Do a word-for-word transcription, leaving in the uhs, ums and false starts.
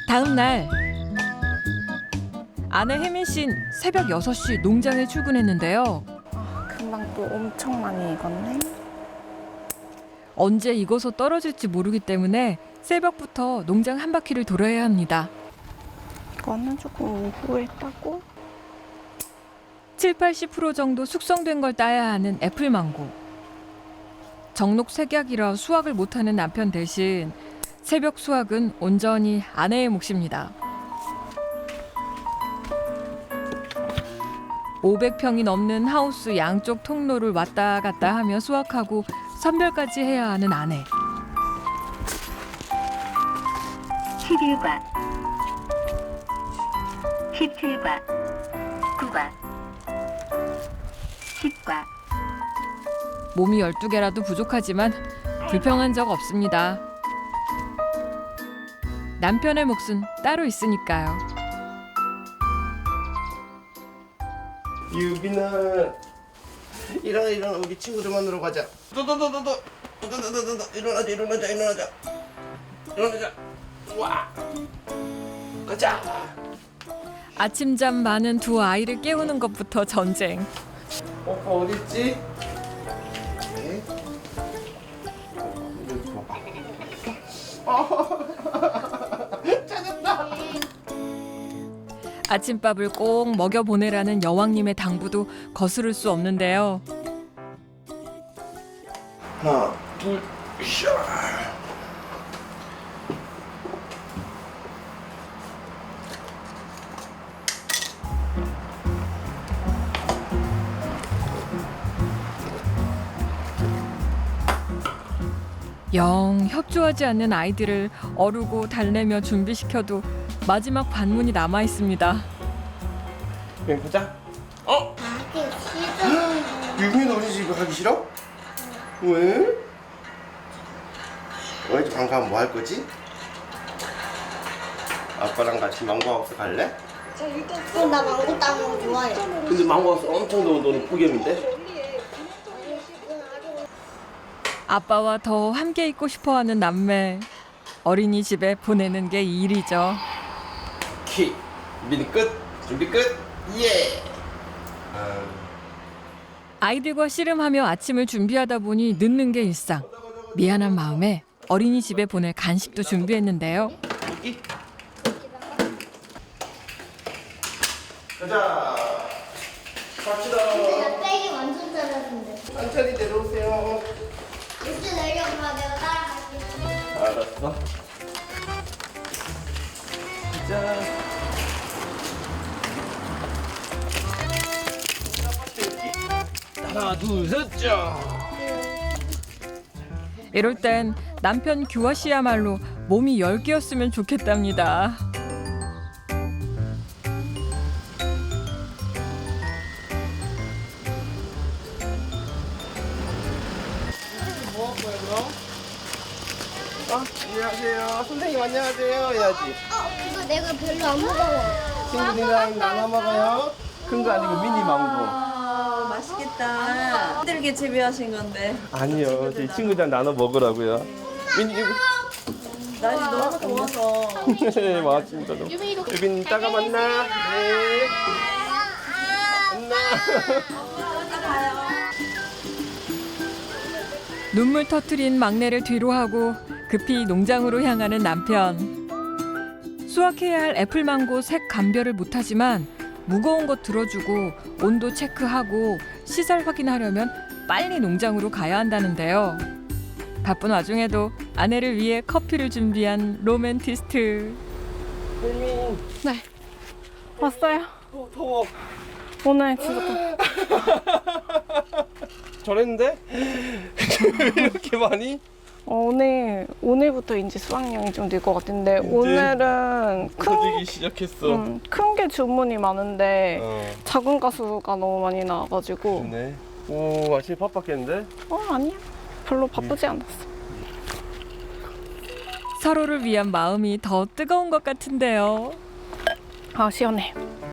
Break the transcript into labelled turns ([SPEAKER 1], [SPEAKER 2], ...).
[SPEAKER 1] 다음 날 아내 혜민 씨는 새벽 여섯 시 농장에 출근했는데요.
[SPEAKER 2] 금방 또 엄청 많이 익었네.
[SPEAKER 1] 언제 익어서 떨어질지 모르기 때문에 새벽부터 농장 한 바퀴를 돌아야 합니다.
[SPEAKER 2] 이거는 조금 오후에 따고.
[SPEAKER 1] 칠, 팔십 퍼센트 정도 숙성된 걸 따야 하는 애플망고. 정록 색약이라 수확을 못하는 남편 대신 새벽 수확은 온전히 아내의 몫입니다. 오백 평이 넘는 하우스 양쪽 통로를 왔다 갔다 하며 수확하고 선별까지 해야 하는 아내.
[SPEAKER 3] 십일 과, 십칠 과, 구 과, 십 과.
[SPEAKER 1] 몸이 열두 개라도 부족하지만 불평한 적 없습니다. 남편의 몫은 따로 있으니까요.
[SPEAKER 4] 유빈아, 일어나 일어나 우리 친구들 만나러 가자. 도도도도도 도도도도도 일어나자 일어나자 일어나자 일어나자. 와, 가자.
[SPEAKER 1] 아침잠 많은 두 아이를 깨우는 것부터 전쟁.
[SPEAKER 4] 오빠 어디 있지? 네. 여기 봐봐. 찾았다.
[SPEAKER 1] 아침밥을 꼭 먹여보내라는 여왕님의 당부도 거스를 수 없는데요.
[SPEAKER 4] 하나, 둘, 샤.
[SPEAKER 1] 영 협조하지 않는 아이들을 어르고 달래며 준비시켜도 마지막 반문이 남아 있습니다.
[SPEAKER 4] 여기 보자. 어? 유빈이 우리 집에 가기 싫어? 왜? 왜 이제 방 가면 뭐 할 거지? 아빠랑 같이 망고하우스 갈래?
[SPEAKER 5] 어, 나 망고 따는 거 좋아해.
[SPEAKER 4] 근데 망고하우스 엄청 더운 너는 폭염인데?
[SPEAKER 1] 아빠와 더 함께 있고 싶어하는 남매. 어린이집에 보내는 게 일이죠.
[SPEAKER 4] 키 준비 끝 준비 끝 예. 아,
[SPEAKER 1] 아이들과 씨름하며 아침을 준비하다 보니 늦는 게 일상. 미안한 마음에 어린이집에 보낼 간식도 준비했는데요.
[SPEAKER 4] 여기 가자. 갑시다.
[SPEAKER 5] 나 빼기 완전 잘하는데.
[SPEAKER 4] 천천히 내려오세요.
[SPEAKER 5] 이제 내려가 내가 따라갈게.
[SPEAKER 4] 알았어. 자. 하나 둘셋 자.
[SPEAKER 1] 이럴 땐 남편 규화 씨야말로 몸이 열 개였으면 좋겠답니다.
[SPEAKER 4] 뭐 할 거야 그럼? 어? 안녕하세요. 선생님 안녕하세요 해야지.
[SPEAKER 5] 어, 이거 내가 별로 안 무거워.
[SPEAKER 4] 친구들이랑 나눠 먹어요. 큰 거 아니고 미니 망고.
[SPEAKER 6] 아, 맛있겠다. 힘들게 재배하신 건데.
[SPEAKER 4] 아니요, 저희 친구들 나눠 먹으라고요. 미니
[SPEAKER 6] 날이 너무 더워서.
[SPEAKER 4] 네, 맞습니다. 유빈 이따가 만나. 네. 만나.
[SPEAKER 1] 눈물 터트린 막내를 뒤로 하고 급히 농장으로 향하는 남편. 수확해야 할 애플망고 색 감별을 못하지만 무거운 것 들어주고 온도 체크하고 시설 확인하려면 빨리 농장으로 가야 한다는데요. 바쁜 와중에도 아내를 위해 커피를 준비한 로맨티스트.
[SPEAKER 4] 유빈.
[SPEAKER 2] 네. 왔어요.
[SPEAKER 4] 더, 더워.
[SPEAKER 2] 오늘 진짜
[SPEAKER 4] 저랬는데? 이렇게 많이?
[SPEAKER 2] 어, 오늘 오늘부터 이제 수확량이 좀 늘 것 같은데 오늘은
[SPEAKER 4] 커지기 시작했어.
[SPEAKER 2] 음, 큰 게 주문이 많은데
[SPEAKER 4] 어,
[SPEAKER 2] 작은 가수가 너무 많이 나와가지고
[SPEAKER 4] 좋네. 오, 아침에 바빴겠는데?
[SPEAKER 2] 어 아니야 별로 바쁘지 않았어.
[SPEAKER 1] 서로를 위한 마음이 더 뜨거운 것 같은데요.
[SPEAKER 2] 아 시원해.